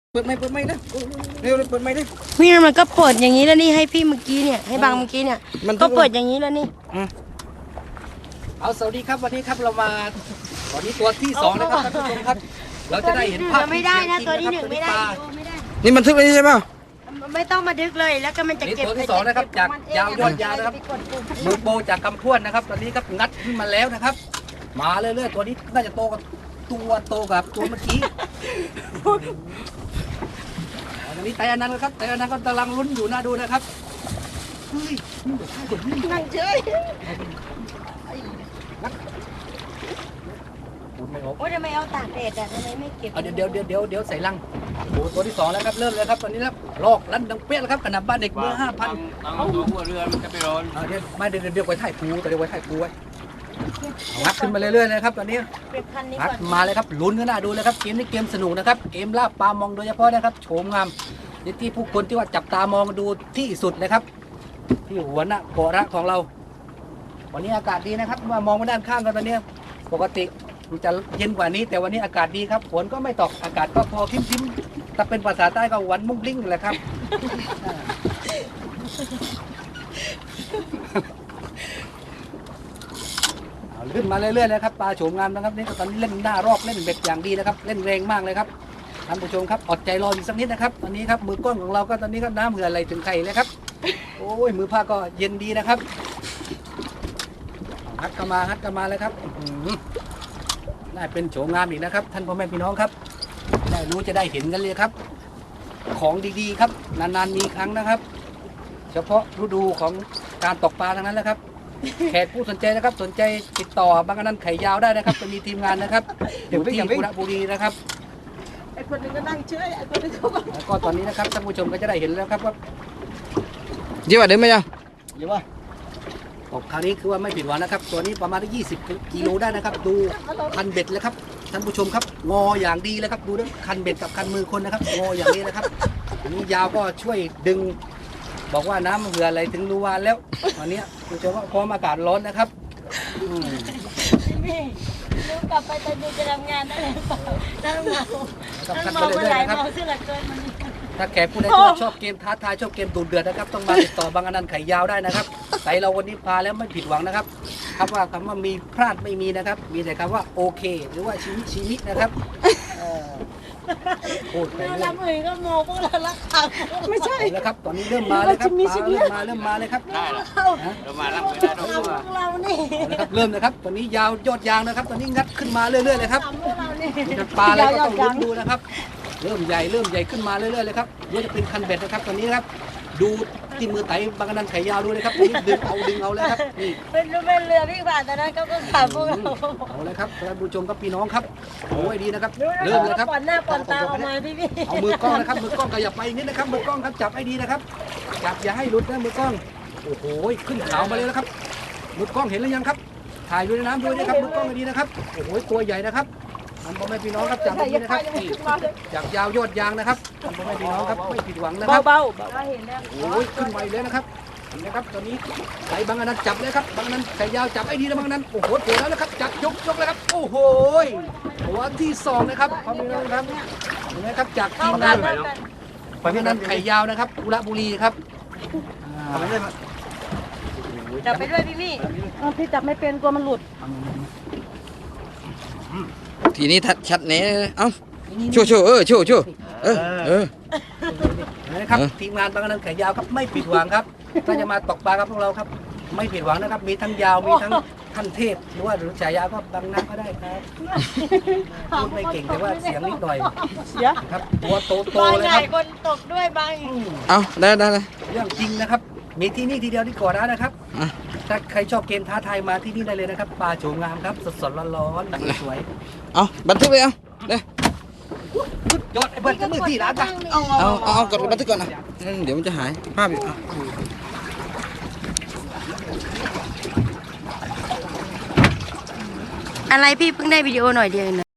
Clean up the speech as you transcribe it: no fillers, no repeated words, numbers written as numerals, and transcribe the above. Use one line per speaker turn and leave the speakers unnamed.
เปิดไม่นะเร็วเปิดไม่ได้
พี่มันก็เปิดอย่างนี้แล้วนี่ให้พี่เมื่อกี้เนี่ยให้บางเมื่อกี้เนี่ยก็เปิดอย่างนี้แล้วนี่
เอาสวัสดีครับวันนี้ครับเรามาวันนี้ตัวที่2นะครับท่านผู้ชมครับเราจะได้เห็นภาพ
ไม่ได้นะตัวที่1ไม่ได้
นี่มันทึกเลยใช่ไหม
ไม่ต้องมาดึกเลยแล้วก็มันจะเก็บ
ตัวที่2นะครับจากยาวยอดยาวนะครับมือโบจากกำพวนนะครับตอนนี้ครับงัดขึ้นมาแล้วนะครับมาเรื่อยๆตัวนี้น่าจะโตกับตัวเมื่อกี้ตอนนี้ไตอันนั้นครับไตอันนั้นก็กำลังลุ้นอยู่น่าดูนะครับ
นั่งเฉยโอ้ยทำไมเอาตากแดดอ่ะทำไมไม่เก็บ
เดี๋ยวใส่ลังโอ้ตัวที่2แล้วครับเริ่มเลยครับตอนนี้แล้วลอกลั่นดังเปี้ยแล้วครับขนาดบ้านเด็กเบอร์5,000
เอาตัวหัวเรือมันจะไปร้อน
เดี๋ยวไว้ถ่ายปูแต่เดี๋ยวไว้ถ่ายปูไว้งัดขึ้นมาเรื่อยๆนะครับตอนนี้งัดมาเลยครับลุ้นกันหน้าดูเลยครับเกมนี้เกมสนุกนะครับเกมล่าปลามองโดยเฉพาะนะครับโฉมงามที่ผู้คนที่ว่าจับตามองดูที่สุดเลยครับที่หัวหน้าโกระของเราวันนี้อากาศดีนะครับมามองไปด้านข้างกันตอนนี้ปกติมันจะเย็นกว่านี้แต่วันนี้อากาศดีครับฝนก็ไม่ตกอากาศก็พอคริ้มๆถ้าเป็นภาษาใต้ก็หวานมุ้งลิ้งแหละครับขึ้นมาเรื่อยๆเลยครับปลาโฉมงามนะครับนี่ตอนนี้เล่นหน้ารอบเล่นเบ็ดอย่างดีนะครับเล่นแรงมากเลยครับท่านผู้ชมครับอดใจรออีกสักนิดนะครับตอนนี้ครับมือกล้องของเราก็ตอนนี้ก็น้ำเหือไหลถึงไข่เลยครับโอ้ยมือผ้าก็เย็นดีนะครับฮัดกันมาเลยครับได้เป็นโฉมงามอีกนะครับท่านพ่อแม่พี่น้องครับได้รู้จะได้เห็นกันเลยครับของดีๆครับนานๆมีครั้งนะครับเฉพาะฤดูของการตกปลาทั้งนั้นแหละครับแขกผู้สนใจนะครับสนใจติดต่อบางนั้นไข่ยาวได้นะครับจะมีทีมงานนะครับอยู่ที่บุรีนะครับ
ไอ้คนนึงก็นั่งเฉยไอ้คนนึงก็
ตอนนี้นะครับท่านผู้ชมก็จะได้เห็นแล้วครับว่าเยอะว่าเดิมไหมยังเยอะว่าตกคราวนี้คือว่าไม่ผิดหวังนะครับตัวนี้ประมาณ20 กิโลได้นะครับดูคันเบ็ดเลยครับท่านผู้ชมครับงออย่างดีเลยครับดูด้วยคันเบ็ดกับคันมือคนนะครับงออย่างนี้นะครับอันนี้ยาวก็ช่วยดึงบอกว่าน้ำเหืออะไรถึงรูวานแล้วตอนนี้คุณผู้ชมว่าพร้อมอากาศร้อนนะครับ
นี่ลูกกลับไปตอนนี้จะทำงานได้หรือเปล่านั่งเมาเมื่อไหร่เมาขึ้นหลักเกินมัน
ถ้าแขกผู้ใดชอบเกมท้าทายชอบเกมดุเดือดนะครับต้องมาติดต่อบางอนันต์ไข่ยาวได้นะครับไต่เราวันนี้พาแล้วไม่ผิดหวังนะครับคำว่ามีพลาดไม่มีนะครับมีแต่คำว่าโอเคหรือว่าชีวิตนะครับพูดไปเรื่อย
ก็โมพวกเราละค่ะ
ไม่ใช่แล้วครับตอนนี้เริ่มมาเลยครับเริ่มมาเลยครับ
ได้แล้วเรามาแล้วไม่ได้เรา
เรานี่
เริ่มนะครับตอนนี้ยาวยอดยางนะครับตอนนี้งัดขึ้นมาเรื่อยๆเลยครับปลาอะไรก็ต้องลุ้นดูนะครับเริ่มใหญ่ขึ้นมาเรื่อยๆเลยครับนี่จะเป็นคันเบ็ดนะครับตอนนี้นะครับดูที่มือไต่บางกระนันไข่ยาวดูเลยครับนี่ดึงเอาเลยครับนี่
เป็นเรือพี่บาทตอนนั้นเขาก็ขับพวกเรา
เอาเลยครับท่านผู้ชมครับพี่น้องครับโอ้ยดีนะครับเริ่มเลยครับ
ปอนหน้าปอนตาออกมาพี่
เอามือกล้องนะครับมือกล้องขยับไปนิดนะครับมือกล้องครับจับให้ดีนะครับจับอย่าให้หลุดนะมือกล้องโอ้โหขึ้นขาวมาเลยนะครับมือกล้องเห็นหรือยังครับถ่ายดูในน้ำด้วยนะครับมือกล้องให้ดีนะครับโอ้โหตัวใหญ่นะครับท่านพ่อแม่พี่น้องครับจับให้ดีนะครับจากยาวยอดยางนะครับท่านพ่อแม่พี่น้องครับไม่ผิดหวังนะครับ
เบาเห็นแล้ว
โอ้ยขึ้นไวเลยนะครับนะครับตอนนี้ไหลบางอันนั้นจับเลยครับบางอันนั้นไข่ยาวจับไอ้ดีนะบางอันนั้นโอ้โหตัวแล้วนะครับจับยกเลยครับโอ้โหตัวที่2นะครับพ่อแม่พี่น้องครับเห็นไหมครับจากทีมงานบางอันนั้นไข่ยาวนะครับบุรีครับ
จับไปด้วยพี่จับไม่เป็นกลัวมันหลุด
ทีนี้ชัดเนี้ยเอ้าโชว์
นะครับทีมงานบางนั้นไข่ยาวครับไม่ผิดหวังครับถ้าจะมาตกปลากับพวกเราครับไม่ผิดหวังนะครับมีทั้งยาวมีทั้งขั้นเทพหรือว่าฉายาก็บางนักก็ได้ครับพูดไม่เก่งแต่ว่าเสียงนิดหน่อยครับตัวโตเลยครับ
คนตกด้วยบาง
เอาได้
เรื่องจริงนะครับมีที่นี่ทีเดียวที่ก่อนนะครับถ้าใครชอบเกมท้าทายมาที่นี่ได้เลยนะครับปลาโฉมงามครับสดๆร้อนๆสวย
เอาบันทึกไปเอาเด้
ยอดไอ้เบิร์ดก็มือที่ร้านจ้ะ
เอากดบันทึกก่อนนะเดี๋ยวมันจะหายภาพอยู่
อะไรพี่เพิ่งได้วิดีโอหน่อยเดียวนะ